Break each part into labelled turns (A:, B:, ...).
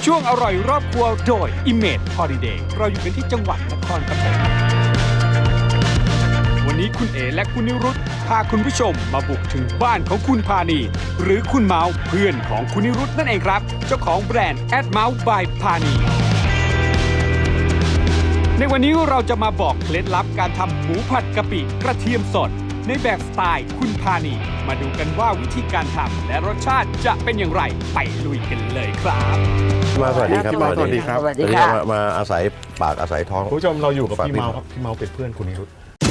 A: ช่วงอร่อยรอบครัวโดย Image Holiday เราอยู่กันที่จังหวัดนครปฐมวันนี้คุณเอและคุณนิรุตพาคุณผู้ชมมาบุกถึงบ้านของคุณพานีหรือคุณเมาส์เพื่อนของคุณนิรุตนั่นเองครับเจ้าของแบรนด์ @Mouse by พานีในวันนี้เราจะมาบอกเคล็ดลับการทำหมูผัดกะปิกระเทียมสดในแบบสไตล์คุณพานีมาดูกันว่าวิธีการทำและรสชาติจะเป็นอย่างไรไปลุยกันเลยครับ
B: มาสวัสดีครับ
C: สวัสดีครับ
B: สวัสดีครับมาอาศัยปากอาศัยท้อง
C: คุณผู้ชมเราอยู่กับ
B: ฝาก
C: พี่
B: พี่
C: เมาครับพี่เมาเป็นเพื่อนคุณนิรุต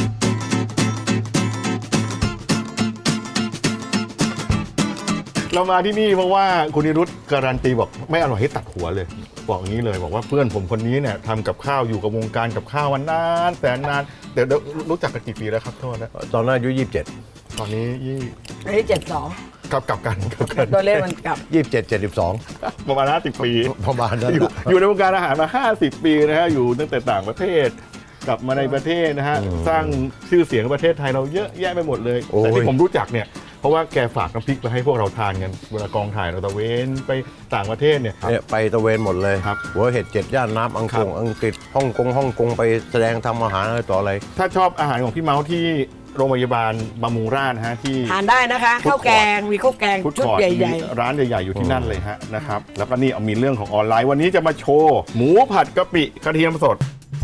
C: เรามาที่นี่เพราะว่าคุณนิรุตการันตีบอกไม่อร่อยให้ตัดหัวเลยบอกอย่างนี้เลยบอกว่าเพื่อนผมคนนี้เนี่ยทำกับข้าวอยู่กับวงการกับข้าวมานานแต่นานเดี๋ยวรู้จักกันกี่ปีแล้วครับโทษนะ
B: ตอนนั้นอายุ
C: ตอนนี้
D: อันนี้72
C: กลับกัน
D: ตัวเลขมันกลับ
B: 27 72
C: ประมาณ50 ปี
B: ประมาณนั้น
C: อยู่ในวงการอาหารมา50 ปีนะฮะอยู่ตั้งแต่ต่างประเทศกลับมาในประเทศนะฮะสร้างชื่อเสียงในประเทศไทยเราเยอะแยะไปหมดเลยแต่ที่ผมรู้จักเนี่ยเพราะว่าแกฝากน้ำพริกไปให้พวกเราทานกันเวลากองถ่ายเราตะเวนไปต่างประเทศเนี่ย
B: ไปตะเวนหมดเลย
C: ครับ
B: หัวเห็ด7 ย่านน้ำอังกฤษฮ่องกงไปแสดงทำอาหารอะไรต่ออะไร
C: ถ้าชอบอาหารของพี่เมาส์ที่โรงพยาบาลบำรุงราษฎร์นะฮะที่
D: ทานได้นะคะข้าวแกงมีข้าวแกง
C: ฟุต
D: ชุด
C: คอร์ท
D: ใหญ่
C: ร้านใหญ่ๆอยู่ที่นั่นเลยฮะนะครับแล้วก็นี่เอามีเรื่องของออนไลน์วันนี้จะมาโชว์หมูผัดกะปิกระเทียมสด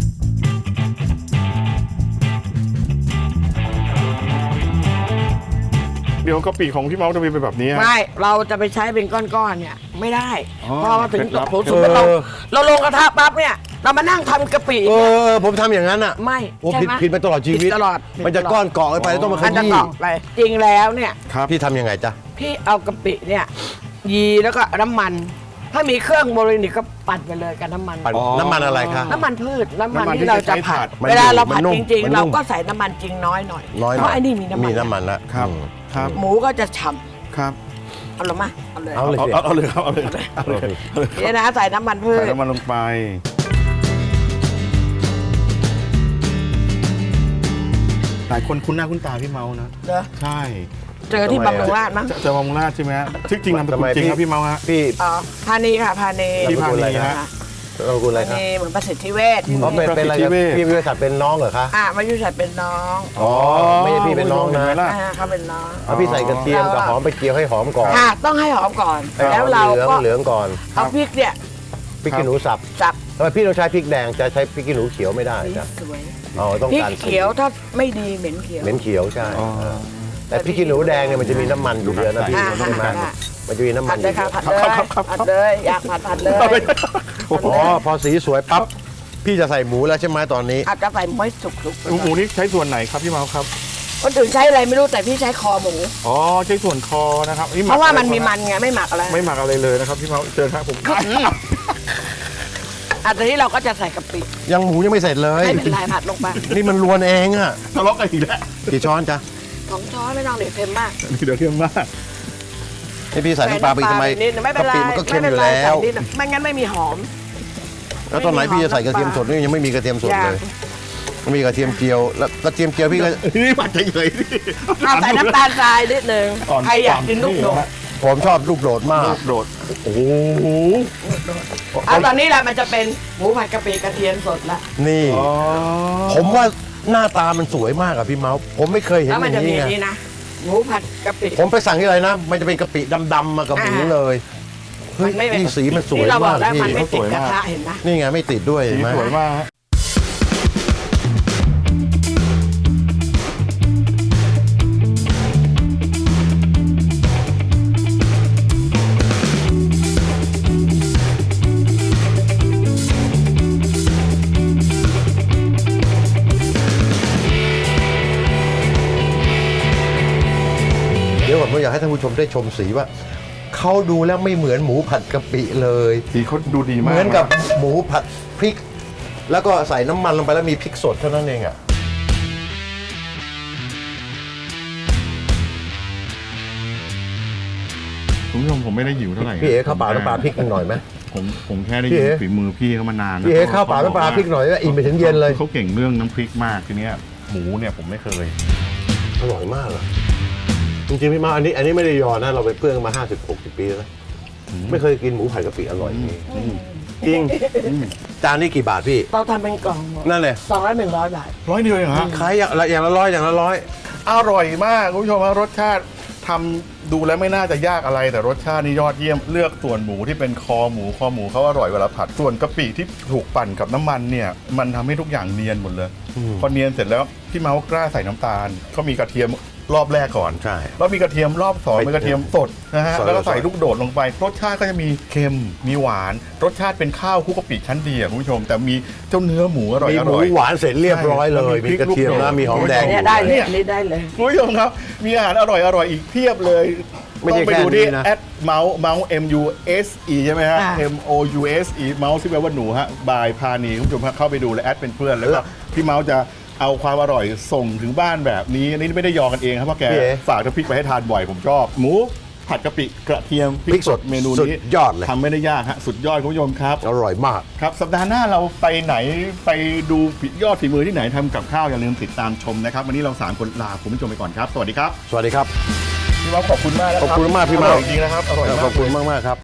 C: เดี๋ยวกะปิของพี่เมาส์จะเป็นแบบนี้
D: ๆไม่เราจะไปใช้เป็นก้อนๆเนี่ยไม่ได้
C: อ๋อ
D: พอมาถึง
C: เคล็ดลับ
D: โถสุดเราลงกระทะปั๊บเนี่ยเรามานั่งทำกะปิ
B: ผมทำอย่างนั้นอ่ะ
D: ไม่
B: โอ้
D: ใช่ไหม
B: ผิดมาตลอดชีวิต
D: ผิดตลอด
B: มันจะก้อนเกาะไปต้องมาข
D: มันจะ
B: ยี้
D: เกาะไปจริงแล้วเนี่ย
C: ครับ
B: พี่ทำยังไงจ๊ะ
D: พี่เอากะปิเนี่ยยีแล้วก็น้ำมัน ถ้ามีเครื่องโมเลนิกก็ปั่นไปเลยกับน้ำมัน
B: ปั่นน้ำมันอะไรคะ
D: น้ำมันพืชน้ำมัน
C: น้ำมันที่
D: ที่เราจะ
C: ใช้
D: ผั
C: ผั
D: ด
C: ด
D: เวลาเราผัด
B: มันนุ่ม
D: จริง
B: มัน
D: ๆ
B: นุ่
D: เรา
B: ม
D: ก็ใส่น้ำมันจริงน้อยหน่อย
B: น้อย
D: เพราะไอ้นี่มีน้ำมัน
B: มีน้ำมันละ
C: ครับ
B: อืม
C: ครับ
D: หมูก็จะฉ่
C: ครับ
D: ำเอาลงมาเอาเลย
B: เอาเลยสิ
C: เอาเลยครับเอาเลยเอาเลย
D: เนี่ยนะใส่น้ำมันพืช
C: ใส่น้ำมันลงไปหลายคนคุ้นหน้าคุ้นตาพี่เมานะ
D: เหรอ
C: ใช่
D: เจอที่บำรุงราษฎร์มั้ง
C: จะบำรุงราษฎร์ใช่ไหมฮะที่จริงนามสกุลจริงครับพี่เมาฮะ
B: พี่
D: อ๋อพานีค่ะพานี
C: พี่พานีฮะ
B: เราคุณอะไร
D: พา
B: ครับ
D: นีเหมือนประสิทธิเวชที่
B: เขาเป็นอะไรกับพี่วิทยาศาสตร์เป็นน้องเหรอคะ
D: มายุชัดเป็นน้อง
B: อ๋อไม่ใช่พี่เป็นน้องนะ
C: เห็ไหมล่
D: เขาเป็นน้อง
B: เอาพี่ใส่กระเทียมกับหอมไปเจียวให้หอมก่อน
D: ค่ะต้องให้หอมก่อน
B: ให้ห
D: แล้ว
B: อม
D: เราก็
B: เหลืองก่อน
D: เอาพริกเนี่ย
B: พริกขี้หนูสับ
D: จับ
B: ทำไมพี่ต้องใช้พริกแดงจะใช้พริกขี้หนูเขียวไม่ได้
D: สี
B: จ้ะ
D: สวย
B: อ๋อต้อง
D: พริก
B: การ
D: เขียวถ้าไม่ดีเหม็นเขียว
B: เหม็นเขียวใช่
C: อ๋อ
B: แต่พริกขี้หนูแดงเนี่ยมันจะมีน้ำมันอยู่เยอะนะพี่
D: อ่า
B: ใช่ไหม
D: อ่า
B: มันจะมีน้ำมั
D: ผั
B: น
D: ด
B: อ
D: เลย
B: ยู่เย
D: ค่ะ
B: อะ
D: ผัดเลยอยากผัดเลย
B: อ๋อพอสีสวยปั๊บพี่จะใส่หมูแล้วใช่ไหมตอนนี้
D: อาจจะใส่ม้อยสุก
C: หมูนี่ใช้ส่วนไหนครับพี่เมาครับ
D: คนอื่นใช้อะไรไม่รู้แต่พี่ใช้คอหมู
C: อ๋อใช้ส่วนคอนะครับห
D: เพราะว่ามัน
C: อ
D: มีมันไงไม่หมักอะไร
C: ไม่หมักอะไรเลยนะครับพี่เมาเชิญครับผม
D: ตอนนี้เราก็จะใส่กะปิ
B: ยังหมูยังไม่เสร็จเลย
D: ไม่เป็นไรผัดลงไป
B: นี่มันรวนเองอะ
C: ทะเลาะกันอีกแล้ว
B: กี่ช้อนจ๊ะ
D: 2 ช้อนไม่ต้องเด็ดเค็มมาก
C: เดี๋ยวเทียมมาก
B: ให้พี่ใส่น้ำปลาไปทำไม
D: นิดนึงไม่เป็นไร
B: กะปิมันก็เค็มอยู่แล้ว
D: ใส่นิดนึงไม่งั้นไม่มีหอม
B: แล้วตอนไหนพี่จะใส่กระเทียมสดนี่ยังไม่มีกระเทียมสดเลยมีกระเทียมเจียวแล้วกระเทียมเจียวพี่ก็
C: นี่ผัดเฉยๆนี่
D: เอาใส่น้ำตาลทรายนิดนึงใครอยากกินลูกโดด
B: ผมชอบลูกโดดมาก
C: ลูกโดดโอ้โห
D: เอาตอนนี้แหละมันจะเป็นหมูผัดกะปิกระเทียมสดละ
B: นี่
C: อ๋อ
B: ผมว่าหน้าตามันสวยมากอะพี่เมาส์ผมไม่เคยเห็น
D: แล้ว
B: อ
D: มัน
B: ย่า
D: จะ
B: ง
D: มี
B: นี้ไง
D: นี่นะหมูผัดกะปิ
B: ผมไปสั่งที่ไรนะ มันจะเป็นกะปิดำๆมากับหมูเลยเฮ้ย
D: มันไม่เป็น
B: นี่สีมันสวย
D: ที่เราบอ
B: มาก ก
D: แล้ว
B: พี่
D: มันไม่ติดกระทะเห็นไหม
B: นี่ไงไม่ติดด้วย
C: สี
B: เห็นไหม
C: สวยมากฮะ
B: เดี๋ยวก่อนผมอยากให้ท่านผู้ชมได้ชมสีว่าเขาดูแล้วไม่เหมือนหมูผัดกะปิเลย
C: สีเขาดูดีมาก
B: เหมือนกับหมูผัดพริก แล้วก็ใส่น้ำมันลงไปแล้วมีพริกสดเท่านั้นเองอ่ะ
C: คุณผู้ชมผมไม่ได้หิวเท่าไหร่
B: พี่เอ๋ข้าวเปล่าน้ำปลาพริกหน่อยไหม
C: ผมแค่ได้
B: พี่
C: ยิน
B: เอ๋
C: ฝีมือพี่เขามานานนะ
B: พี่เอ๋ข้าวเปล่าน้ำปลาพริกหน่อยว่าอิ่มไปถึงเย็นเลย
C: เขาเก่งเรื่องน้ำพริกมากทีเนี้ยหมูเนี่ยผมไม่เคย
B: อร่อยมากอะจริงๆพี่มาอันนี้ไม่ได้ยอนะเราเป็นเพื่อนกันมา50-60 ปีแล้วนะไม่เคยกินหมูผัดกะปิอร่อยอย่างนี้
C: จริง
B: จานนี้กี่บาทพี่
D: เราทำเป็นกล่อง
B: นั่นเลย
D: 200-100 บาท
C: ร้อยเดียวเองฮะ
B: ขายอย่างละร้อยอย่างละร้อย
C: อร่อยมากคุณผู้ชมครับรสชาติทำดูแล้วไม่น่าจะยากอะไรแต่รสชาตินี่ยอดเยี่ยมเลือกส่วนหมูที่เป็นคอหมูเขาอร่อยเวลาผัดส่วนกะปิที่ถูกปั่นกับน้ำมันเนี่ยมันทำให้ทุกอย่างเนียนหมดเลยพอเนียนเสร็จแล้วพี่เมาส์กล้าใส่น้ำตาลเขามีกระเทียมรอบแรกก่อน
B: ใช่
C: แล้วมีกระเทียมรอบสองเป็นกระเทียมสดนะฮะ
B: สด
C: แล้วก็ใส่
B: สด
C: ลูกโดดลงไป รสชาติก็จะมีเค็มมีหวาน รสชาติเป็นข้าวคลุกกะปิชั้นดีอะคุณผู้ชม แต่มีเจ้าเนื้อหมูอร่อย
B: มี
C: อ
B: หมู
C: ร่อย
B: หวานเสร็จเรียบร้อยเลย
C: ใช่
B: มีกระเทียม
C: แล้ว
B: นะ
C: มี
B: มี
C: พ
B: ห
C: ริ
B: อก ม
C: ลูก
B: แดง
C: โด
D: เนี่ยได้เลยอันนี้ได้เลย
C: คุณผู้ชมครับ มีอาหารอร่อยอีกเพียบเลย
B: ไม่
C: ต้อ
B: ใช่
C: งไป
B: แค่
C: ดู
B: นี้
C: ที่
B: นะ
C: เมาส์ MUSE ใช่ไหมฮะ
D: อ่า
C: MOUSE เมาส์ที่แปลว่าหนูฮะบายพานีคุณผู้ชมฮะเข้าไปดูและแอดเป็นเพื่อนแล้วก็พี่เมาส์จะเอาความอร่อยส่งถึงบ้านแบบนี้อันนี้ไม่ได้ยอกันเองครับเพราะแก
B: พี่เอ๋
C: ฝากน้ำพริกไปให้ทานบ่อยผมชอบ หมูผัดกะปิกระเทียมพริกสดเมนู
B: สุด
C: นี้
B: ยอดเลย
C: ทำไม่ได้ยากฮะสุดยอดคุณผู้ชมครับ
B: อร่อยมาก
C: ครับสัปดาห์หน้าเราไปไหนไปดูยอดฝีมือที่ไหนทำกับข้าวอย่าลืมติดตามชมนะครับวันนี้เรา3คนลาคุณผู้ชมไปก่อนครับสวัสดีครับ
B: สวัสดีครับ
C: พี่เมาส์ขอบคุณมากนะครั
B: ขอบคุณมากพี่เมาส์
C: อร่อยจริงๆนะครับอร่อยมาก
B: ขอบคุณมากๆครับ